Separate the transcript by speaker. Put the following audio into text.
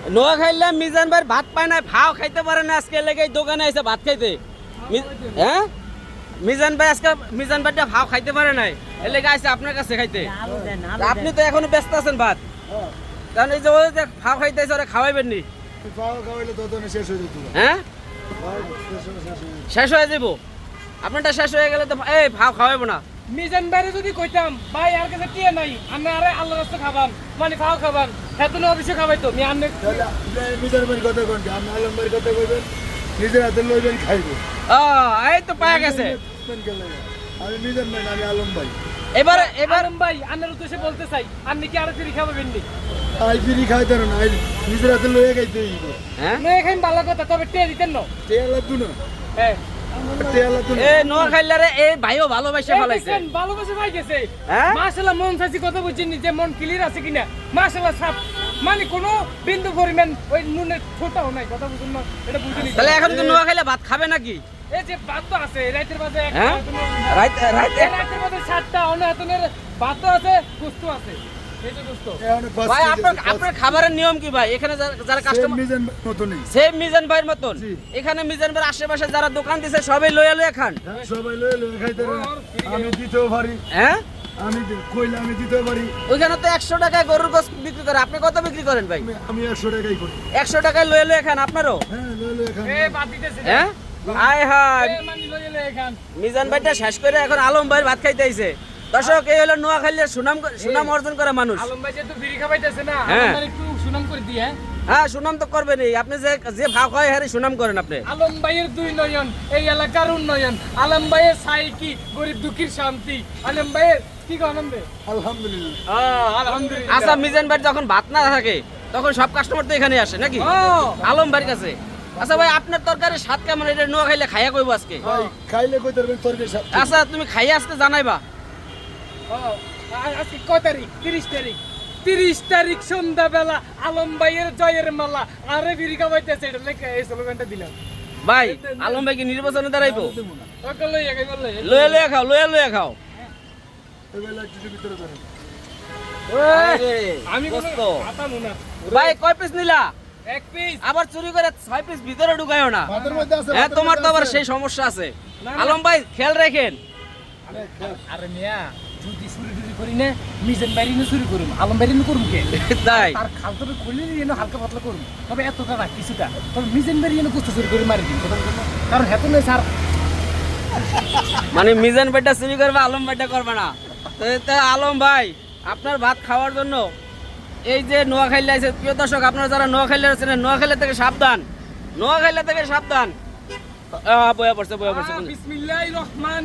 Speaker 1: নোয়াখাইলে মিজান ভাই ভাত পায় না, ভাও খাইতে পারে না, আজকে লেগে দোকানে এসে ভাত খাইতে। হ্যাঁ মিজান ভাই আজকে মিজান ভাইটা ভাও খাইতে পারে নাই, এর লেগে আইসে আপনার কাছে খাইতে। আপনি তো এখনো ব্যস্ত আছেন ভাত, কারণ এই যে ও যে ভাও খাইতে এসে ওরা খাওয়াইবেন নি। হ্যাঁ শেষ হয়ে যাবো, আপনারটা শেষ হয়ে গেলে তো এই ভাও খাওয়াইবো না।
Speaker 2: মিজান ভাইরে যদি কইতাম ভাই আর কাছে টিয়া নাই, আমি আরে আল্লাহর রাস্তা খাবান মানে খাও খাবান, হেতু না অফিসে খাবাই তো আমি আনলে
Speaker 3: মিজান ভাই কথা কোনটা আপনি আলম ভাই কথা কইবেন, নিজের হাতে লইবেন খাইবো।
Speaker 1: এই তো পাওয়া গেছে।
Speaker 3: আমি মিজান ভাই না, আমি আলম ভাই।
Speaker 1: এবার
Speaker 2: আলম ভাই আন্নার উদ্দেশ্যে বলতে চাই, আপনি কি আরো ফিরি খাবেন নি?
Speaker 3: আই ফিরি খাইতে না, আই নিজের হাতে লইয়া খাইতে হইব।
Speaker 1: হ্যাঁ
Speaker 2: না এখানে ভালো কথা, তবে টিয়া দিতেন না।
Speaker 3: তেল লাগতো না,
Speaker 2: হ্যাঁ
Speaker 3: তেল লাগতো না।
Speaker 1: এ নোয়াখাইলে রে এই ভাইও ভালোবাসে ফেলাইছে।
Speaker 2: ভালোবাসে ভাই গেছে
Speaker 1: হ্যাঁ?
Speaker 2: মাশাআল্লাহ, মন চাইছি কথা বুঝছেন যে মন ক্লিয়ার আছে কিনা, মাশাআল্লাহ সাপ মানে কোনো বিন্দু পরিমাণ ওই নুনের ছোটাও নাই, কথা বুঝুন না, এটা বুঝিনি।
Speaker 1: তাহলে এখন কি নোয়াখাইলে ভাত খাবে নাকি?
Speaker 2: এই যে ভাত তো আছে রাতের বাজে
Speaker 1: হ্যাঁ? রাইতে
Speaker 2: রাতের বাজে 7টা অনহাতনের ভাত আছে, গোস্ত আছে, এই যে গোস্ত।
Speaker 1: ভাই আপনার খাবারের নিয়ম কি ভাই? এখানে যারা কাস্টমার
Speaker 3: মিজান মতনই
Speaker 1: সেম মিজান ভাইয়ের মতন,
Speaker 3: জি।
Speaker 1: এখানে মিজান ভাইয়ের আশেপাশে যারা দোকান দিছে সবাই লইয়া লইয়া খান।
Speaker 3: সবাই লইয়া লইয়া খাইতে না, আমি দিতেও পারি,
Speaker 1: হ্যাঁ
Speaker 3: আমি কইলে আমি দিতেও পারি।
Speaker 1: ওইখানে তো 100 টাকায় গরুর গোশত বিক্রি করে, আপনি কত বিক্রি করেন ভাই?
Speaker 3: আমি 100 টাকাই করি।
Speaker 1: 100 টাকায় লইয়া লইয়া খান আপনারও?
Speaker 3: হ্যাঁ লইয়া লইয়া খাই।
Speaker 2: এ বাদ দিতেছে
Speaker 1: হ্যাঁ আয় হায়,
Speaker 2: মানে লইলে এখান
Speaker 1: মিজান ভাইটা শেষ করে এখন আলম ভাইয়ের ভাত খাইতে আইছে। দর্শক এই হলো নোয়াখালীর সুনাম অর্জন করা মানুষ।
Speaker 2: আলম ভাই যেহেতু বিড়ি খাবাইতেছে না,
Speaker 1: হ্যাঁ।
Speaker 2: আমার একটু সুনাম করে দি। হ্যাঁ
Speaker 1: হ্যাঁ সুনাম তো করবেনই, আপনি যে ভাগ হয় হ্যাঁ সুনাম করেন আপনি।
Speaker 2: আলম ভাইয়ের 2 নয়ন, এই এলাকার উন্নয়ন, আলম ভাইয়ের সাই কি গরিব দুঃখীর শান্তি, আলম ভাইয়ের কি আনন্দে
Speaker 3: আলহামদুলিল্লাহ।
Speaker 2: আলহামদুলিল্লাহ।
Speaker 1: আচ্ছা মিজান ভাই যখন ভাত না থাকে তখন সব কাস্টমার তো এখানে আসে নাকি আলম ভাইয়ের কাছে? আচ্ছা ভাই আপনার তরকারি স্বাদ কেমন, এটা নোয়াখাইলে খাইয়া কইব আজকে?
Speaker 3: ভাই খাইলে কই পারবেন তরকারি সাথে।
Speaker 1: আচ্ছা তুমি খাইয়া আজকে জানাইবা।
Speaker 2: আজকে কয় তারিখ? 30 তারিখ। 30 তারিখ সন্ধ্যাবেলা আলম ভাইয়ের জয়ের মালা আরে বিড়ি খাবাইতেছে, এটা লেখা এই স্লোগানটা দিলাম।
Speaker 1: ভাই আলম ভাই কি নির্বাচনে দাঁড়াইবো?
Speaker 2: ওকে লইয়া গেল লইয়া।
Speaker 1: লইয়া লইয়া খাও, লইয়া লইয়া খাও।
Speaker 3: এবেলা একটু ভিতরে ধরেন।
Speaker 2: আমি কোনো
Speaker 1: গোস্ত।
Speaker 2: আতামু না।
Speaker 1: ভাই কয় পিস নিলা?
Speaker 2: 1 পিস।
Speaker 1: আবার চুরি করে 6 পিস ভিতরে ঢুকায়ও না।
Speaker 3: ভাতের মধ্যে আছে।
Speaker 1: হ্যাঁ
Speaker 3: ভাতের
Speaker 1: তোমার তো
Speaker 3: মধ্যে
Speaker 1: আবার
Speaker 3: আছে।
Speaker 1: সেই সমস্যা আছে।
Speaker 2: না, না।
Speaker 1: আলম ভাই খেয়াল রাখেন।
Speaker 2: আরে মিয়া যদি চুরি করি না, মিজান বাইরে চুরি করুম, আলম বাইরে করুম কে?
Speaker 1: তাই
Speaker 2: তার খালতবে খুলে নিয়ে হালকা পাতলা করুম, তবে এতটা না কিছুটা, তবে মিজান বাইরে গোস্ত চুরি করে মারি দিন, কথা বলছেন না? কারণ হেতু নেই স্যার।
Speaker 1: মানে মিজান ভাইটা চুরি করবে, আলম ভাইটা করবে না। তো আলম ভাই আপনার ভাত খাওয়ার জন্য এই যে নোয়াখালী আছে, প্রিয় দর্শক আপনারা যারা নোয়াখালী আছেন, নোয়াখালী থেকে সাবধান, নোয়াখালী থেকে সাবধান। বয়া পড়ছে
Speaker 2: বিসমিল্লাহির রহমান